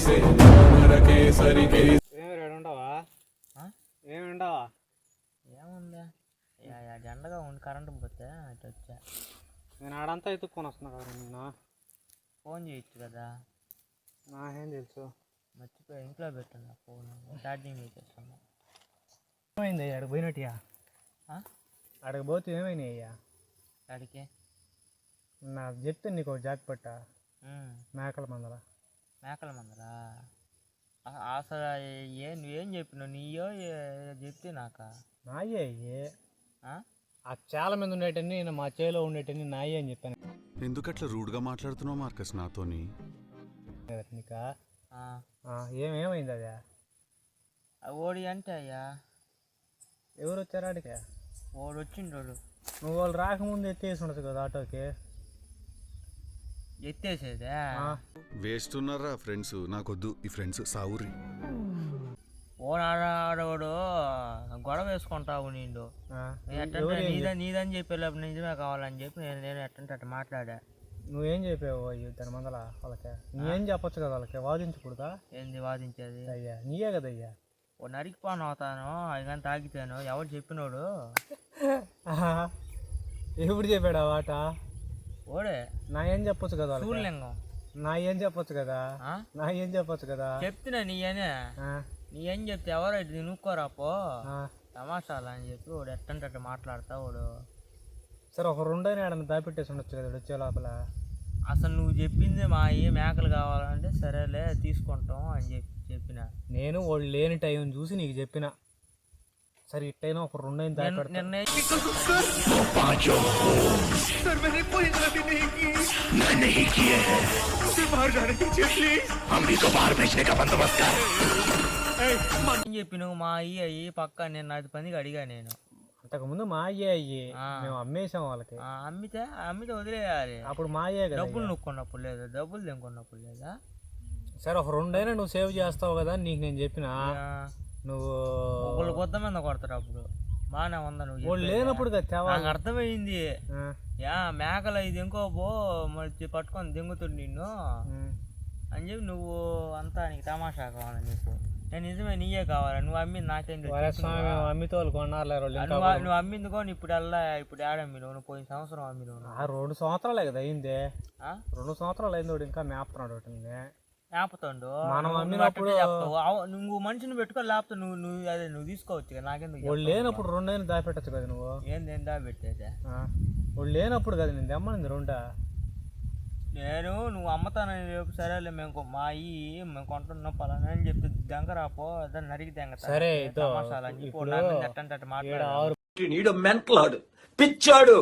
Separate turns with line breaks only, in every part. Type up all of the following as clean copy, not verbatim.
ఏముండవా ఏముండవా
ఏముందా జెండగా ఉండి కరెంటు పోతే అటు వచ్చా.
నేను ఆడంతా ఎత్తుక్కొని వస్తున్నా కదా నిన్న.
ఫోన్ చేయొచ్చు కదా.
నాకేం తెలుసు,
మర్చిపోయి ఇంట్లో పెట్టున్నా ఫోన్, ఛార్జింగ్ చేసేస్తున్నా.
ఏమైంది అయ్యా అక్కడికి పోయినట్టుగా? అక్కడికి పోతే ఏమైనా అయ్యా?
అడిగే
నాకు చెప్తే నీకు ఒక జాక్ పట్ట మేకల మందల.
మేకల మందరా? అసలు నువ్వేం చెప్పినావు? నీయో చెప్తే నాక
నాయే అయ్యే. ఆ చాలా మంది ఉండేటన్ని మా చేలో ఉండేటన్ని నాయే అని చెప్పాను.
ఎందుకట్లా రూడ్గా మాట్లాడుతున్నావు మార్కస్ నాతోని?
నీకా ఏమైంది అదే?
ఓడి అంటే అయ్యా
ఎవరు వచ్చారు ఆడికి?
ఓడి వచ్చిండు.
నువ్వు వాళ్ళు రాకముందు ఎత్తేసి ఉండదు కదా ఆటోకి.
ఎత్తేసేదే
వేస్ట్ ఉన్నారా ఫ్రెండ్స్? నాకొద్దు ఈ ఫ్రెండ్స్ సావురి.
ఓడాడోడు గొడవ వేసుకుంటావు నిండు. నీదని చెప్పి నిజమే కావాలని చెప్పి నేను ఎట్టంటే అట్ట మాట్లాడా.
నువ్వేం చెప్పావు అయ్యో దాని మందల వాళ్ళకి? నువ్వేం చెప్పొచ్చు కదా వాళ్ళకి, వాదించకూడదా?
ఏంది వాదించేది?
అయ్యా నీయే కదయ్యా.
ఓ నరికిపోను అవుతాను అది కానీ తాగితాను. ఎవరు చెప్పినోడు?
ఎప్పుడు చెప్పాడు ఆ వాట?
ఓడే
నా ఏం చెప్పొచ్చు కదా
సూర్యలింగం.
నా ఏం చెప్పొచ్చు కదా, నా ఏం చెప్పొచ్చు కదా.
చెప్తున్నా నీ ఏం చెప్తే ఎవరో ఇది నుక్కోరా పో తమాషాలు అని చెప్పి వాడు ఎట్టంటే అట్ట మాట్లాడతా వాడు.
సరే ఒక రెండోనే ఆడని దాపెట్టేసి ఉండొచ్చు కదా వచ్చే లోపల.
అసలు నువ్వు చెప్పింది మా మేకలు కావాలంటే సరేలే తీసుకుంటాం అని చెప్పిన.
నేను వాళ్ళు లేని టైం చూసి నీకు చెప్పిన. సరే ఇట్టైనా ఒక రెండోని దాపెడతా.
చెప్పి నువ్వు మా అయ్యి పక్క నేను 10 మందికి అడిగా. నేను
అంతకుముందు మా అయ్యి మేము అమ్మేసాం వాళ్ళకి.
అమ్మితే వదిలేయాలి.
అప్పుడు మా అయ్యే కదా.
డబ్బులు నొక్కున్నప్పుడు లేదా, డబ్బులు తెంకున్నప్పుడు లేదా.
సరే ఒక రెండైనా నువ్వు సేవ్ చేస్తావు కదా నీకు నేను చెప్పిన. నువ్వు
ఒకళ్ళు కొత్త మీద కొడతారు అప్పుడు బాగానే ఉందా? నువ్వు
లేనప్పుడు
నాకు అర్థమైంది. మేకలు ఇది ఇంకో పో మరి పట్టుకొని దింగుతుడు నిన్ను అని చెప్పి నువ్వు అంతా నీకు తమాషా కావాలని చెప్పు. నేను నిజమే నీయే కావాలి. నువ్వు అమ్మింది నాకేం
అమ్మితో కొన్నారు.
నువ్వు అమ్మింది కొని ఇప్పుడు ఆడమ్మి నువ్వు పోయిన సంవత్సరం అమ్మి నువ్వు.
2 సంవత్సరాలే కదా అయింది. 2 సంవత్సరాలు అయింది. వాడు ఇంకా మేపుతున్నాడు వాటిని.
మేపుతాడు.
మనం అమ్మినప్పుడు
నువ్వు మనిషిని పెట్టుకో లేకపోతే నువ్వు తీసుకోవచ్చు కదా. నాకెందుకు?
వాళ్ళు లేనప్పుడు రెండైనా దాపెట్టచ్చు కదా నువ్వు.
ఏంది దాపెట్టేదే?
వాళ్ళు లేనప్పుడు కదా నేను తెమ్మనింది రెండా.
నువ్వు అమ్మతానని రేపు సరేలే మేము మా మేము కొంటున్నాం పలానా అని చెప్తే దెంగరాపో దాన్ని నరికి దెంగ.
సరే
పిచ్చాడు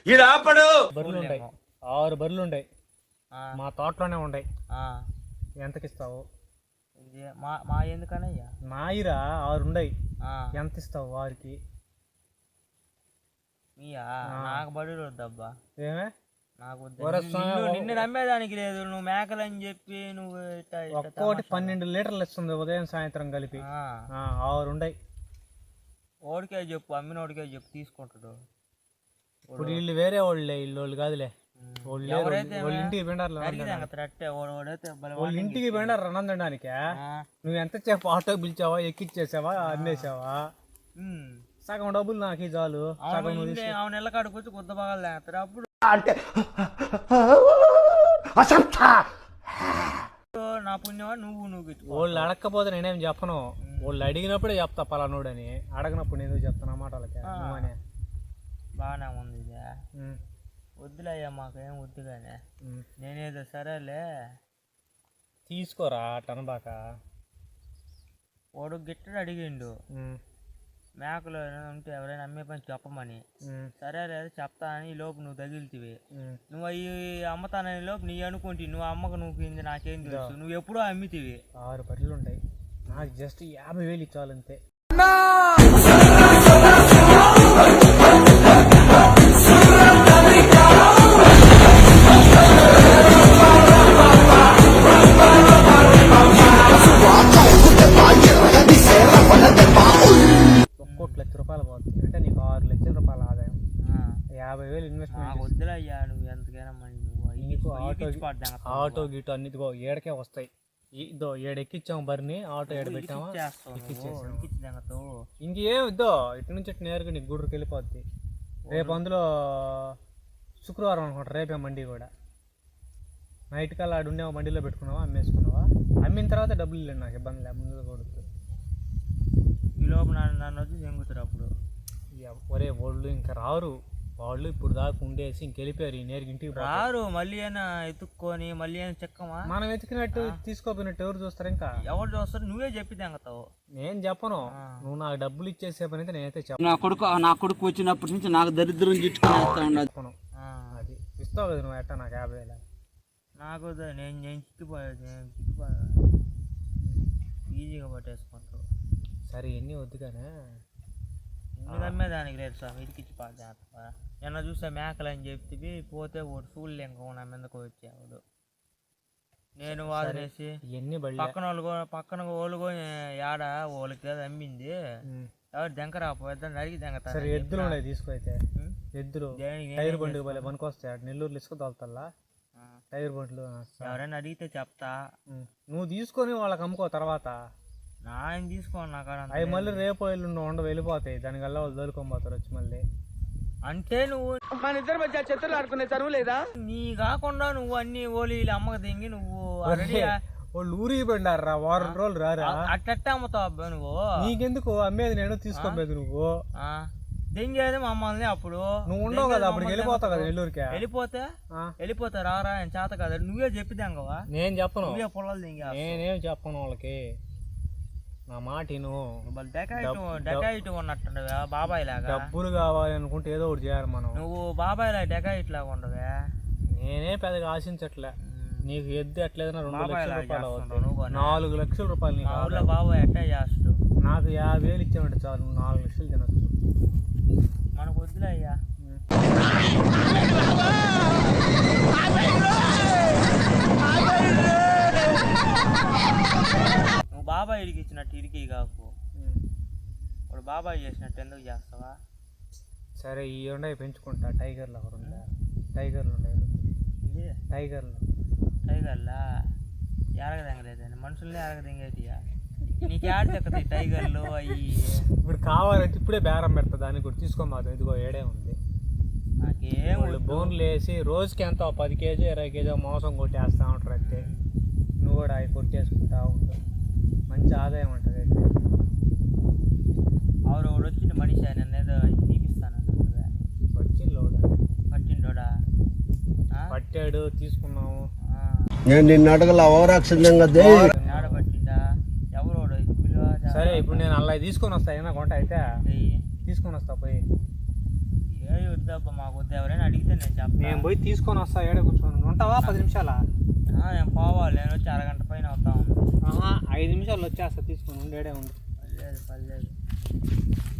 6 బర్రెలు ఉంటాయి మా తోటలోనే ఉంటాయి. ఎంతకిస్తావు?
మా ఎందుకనయ్యా?
మాయిరా 6 ఉండయి. ఎంత ఇస్తావు వారికి?
నాకు బడి వద్దబ్బా.
ఏమే
నిన్ను నమ్మేదానికి లేదు. నువ్వు మేకలని చెప్పి నువ్వు
ఒక్కోటి 12 లీటర్లు ఇస్తుంది ఉదయం సాయంత్రం కలిపి. 6 ఉండయి.
ఓడికే చెప్పు, అమ్మినోడికే చెప్పు తీసుకుంటాడు.
ఇప్పుడు వీళ్ళు వేరే వాళ్ళే, వీళ్ళు కాదులే. వాళ్ళ ఇంటికి పిండారు. వాళ్ళ ఇంటికి పిండారు అన్నం తినడానికి. నువ్వు ఎంత చెప్పు ఆటో పిలిచావా, ఎక్కిచ్చేసావా, అమ్మేసావా? సగం డబ్బులు నాకు చాలు.
అవును ఎల్లకాడికి వచ్చి కొత్త బాగా లేస్తారు. అప్పుడు
అంటే
నా పుణ్యమా నువ్వు
వాళ్ళు అడగకపోతే నేనేం చెప్పను. వాళ్ళు అడిగినప్పుడే చెప్తా పలానోడని. అడగనప్పుడు నేను చెప్తాను అన్నమాట వాళ్ళకి.
బాగానే ఉంది ఇదే. వద్దులయ్యా మాకేం వద్దుగానే. నేనేదో సరేలే
తీసుకోరా టనబాక.
వాడు గిట్టడు అడిగిండు మేకలు ఉంటే ఎవరైనా అమ్మే పని చెప్పమని. సరే లేదా చెప్తానని ఈ లోపు నువ్వు తగిలితివి. నువ్వు అవి అమ్మతానని లోపు నీ అనుకుంటే నువ్వు అమ్మకు నువ్వు నాకేం తెలుసు. నువ్వు ఎప్పుడో అమ్మితివి.
6 బర్రెలు ఉంటాయి. నాకు జస్ట్ 50,000 ఇచ్చాలంతే. ₹1,00,000 పోతుంది అంటే నీకు 6 లక్షల రూపాయల ఆదాయం. 50,000 ఇన్వెస్ట్మెంట్.
వద్దులయ్యా నువ్వు ఎంతకైనా
ఆటో గీటో అన్నిటికో ఏడకే వస్తాయి. ఇదో ఏడు ఎక్కిచ్చాము బరిని ఆటో ఏడు పెట్టామా
చేస్తావు
ఇంకేం ఇద్దో ఇటు నుంచి ఇటు నేరుగా నీకు గుడ్రుకి వెళ్ళిపోద్ది. రేపు అందులో శుక్రవారం అనుకుంటా, రేపే మండి కూడా. నైట్ కల్లా ఆడు ఉండేవా మండీలో పెట్టుకున్నావా, అమ్మేసుకున్నావా? అమ్మిన తర్వాత డబ్బులు ఇల్లు నాకు ఇబ్బంది లేదు, ముందు కొడుకు.
ఈ లోపు నన్ను వచ్చి జంగుతారు అప్పుడు.
ఒరే వాళ్ళు ఇంకా రారు, వాళ్ళు ఇప్పుడు దాకా ఉండేసి ఇంకెళ్ళిపోయారు. ఈ నేరుగా ఇంటికి
రారు. మళ్ళీ అయినా ఎత్తుక్కొని మళ్ళీ అయినా చెక్కమా,
మనం వెతికినట్టు తీసుకోపోయినట్టు ఎవరు చూస్తారు? ఇంకా
ఎవరు చూస్తారు? నువ్వే చెప్పి తెంగతావు.
నేను చెప్పను, నువ్వు నాకు డబ్బులు ఇచ్చేసే పని అయితే నేనైతే చెప్పను.
నా కొడుకు వచ్చినప్పటి నుంచి నాకు దరిద్రం చుట్టుకుని
అది ఇస్తావు కదా నువ్వు ఎట్టా నాకు 50,000.
నాకు నేను చిక్కిపోయాను ఈజీగా పట్టేసుకుంటావు.
సరే ఎన్ని వద్దు కానీ
నువ్వు అమ్మేదానికి లేదు స్వామి, ఇదికిచ్చి పాడేస్తా. నిన్న చూసా మేకలు అని చెప్తే పోతే ఒకటి చూడలే, ఇంకా నా మీదకు వచ్చేవాడు. నేను వాదనేసి
ఎన్ని
పక్కన వాళ్ళు ఏడ వాళ్ళకి అమ్మింది ఎవరు దెంకరాపోద్దని అడిగి దెంగతా.
సరే ఎద్దులు ఉన్నాయి తీసుకో. అయితే ఎద్దులు టైర్ బండికి పోలే పనికొస్తాయి. నెల్లూరులో ఇసుక తోలుతల్లా టైర్ బండ్లు.
ఎవరైనా అడిగితే చెప్తా,
నువ్వు తీసుకొని వాళ్ళకి అమ్ముకో. తర్వాత
ఆయన తీసుకోండి నాకు
అవి మళ్ళీ రేపు ఎల్లుండి ఉండవు, వెళ్ళిపోతాయి. దానికల్లా వాళ్ళు దొరుకోపోతారు వచ్చి మళ్ళీ.
అంటే నువ్వు
మన ఇద్దరు మధ్య చెత్తలు ఆడుకునే చదువు లేదా?
నీ కాకుండా నువ్వు అన్ని ఓలీలు అమ్మక దింగి నువ్వు
వాళ్ళు ఊరికి పండారా, వారం రోజులు రారా?
అట్ట అమ్ముతావు అబ్బా నువ్వు.
నీకెందుకు అమ్మేది, నేను తీసుకోలేదు. నువ్వు
దింగేది మమ్మల్ని. అప్పుడు
నువ్వు ఉండవు కదా, అప్పుడు వెళ్ళిపోతావు కదా నెల్లూరుకి.
వెళ్ళిపోతా రారా ఆయన చేత కదా, నువ్వే చెప్పి దెంగవా?
నేను చెప్పను,
నువ్వే పొలాలు దింగా.
నేనేం చెప్పను వాళ్ళకి, నా మాటిను.
డెకాయిట్ ఉన్నట్టుండవా బాబాయ్ లాగా?
డబ్బులు కావాలి అనుకుంటే ఏదో ఒకటి చేయాలి మనం.
నువ్వు బాబాయ్ లాగా డెకాయిట్ లాగా ఉండవా?
నేనే పెద్దగా ఆశించట్లే. నీకు ఎద్దు ఎట్లేదన్నా 2 లక్షల రూపాయలు అవుతుంది, 4 లక్షల రూపాయలు నీకు.
ఊళ్ళో బాబాయ్ ఎట్టా చేస్తాడు.
నాకు 50,000 ఇచ్చామంటే చాలు, నువ్వు 4 లక్షలు తినచ్చు.
మనకు వద్దులే అయ్యా. నువ్వు బాబాయ్ ఇడికి ఇచ్చినట్టు ఇడికి కాకు, ఇప్పుడు బాబాయ్ చేసినట్టు ఎందుకు చేస్తావా?
సరే ఈ ఉండయి పెంచుకుంటా. టైగర్లు ఒకరు ఉందా? టైగర్లు ఉన్నాయి.
టైగర్లా ఎరగదెంగలేదండి, మనుషుల్ని ఎరగదెంగేటియా? నీకు యాడ్ చెక్కతాయి టైగర్లు అవి.
ఇప్పుడు కావాలంటే ఇప్పుడే బేరం పెడతా, దాన్ని కూడా తీసుకోమాదు. ఇదిగో ఏడే ఉంది.
నాకేం
వాళ్ళు బోన్లు వేసి రోజుకి ఎంత 10 కేజీ 20 కేజీ మాంసం కొట్టేస్తా ఉంటారు. అయితే నువ్వు కూడా అవి కొట్టేసుకుంటా ఉంటావు, మంచి ఆదాయం ఉంటుంది. అయితే
ఆవిడ వచ్చింది మనిషి, నన్ను ఏదో తీపిస్తాను. పట్టిండోడా?
పట్టాడు, తీసుకున్నాము.
నేను నిన్ను అడగల
ఆడ పట్టిండా? ఎవరు?
సరే ఇప్పుడు నేను అలా తీసుకొని వస్తా, ఏమైనా కొంట అయితే తీసుకొని వస్తా. పోయి
ఏ వద్దబ్బా మాకు వద్దు, ఎవరైనా అడిగితే నేను చెప్తాను.
నేను పోయి తీసుకొని వస్తా. ఏడే కూర్చొని ఉంటావా? 10 నిమిషాలా?
నేను పోవాలి, నేను వచ్చి అరగంట పైన వస్తా ఉంది.
5 నిమిషాలు వచ్చేస్తా, తీసుకొని ఉండి. ఏడే ఉంది.
పర్లేదు.